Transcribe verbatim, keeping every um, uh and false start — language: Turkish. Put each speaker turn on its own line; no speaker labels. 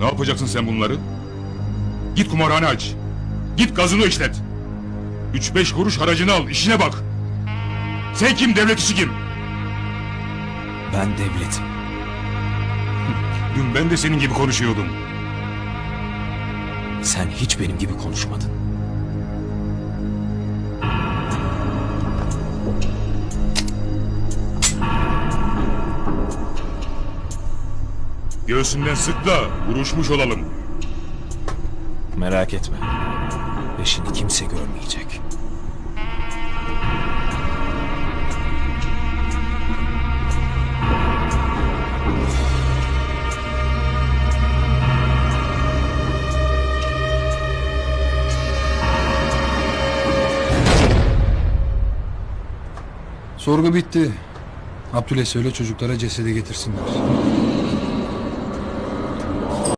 Ne yapacaksın sen bunları? Git kumarhane aç. Git gazını işlet. Üç beş kuruş haracını al, işine bak. Sen kim, devlet işi kim?
Ben devletim.
Dün ben de senin gibi konuşuyordum.
Sen hiç benim gibi konuşmadın.
Göğsünden sık da vuruşmuş olalım.
Merak etme. Peşini kimse görmeyecek.
Sorgu bitti. Abdül'e söyle çocuklara cesedi getirsinler.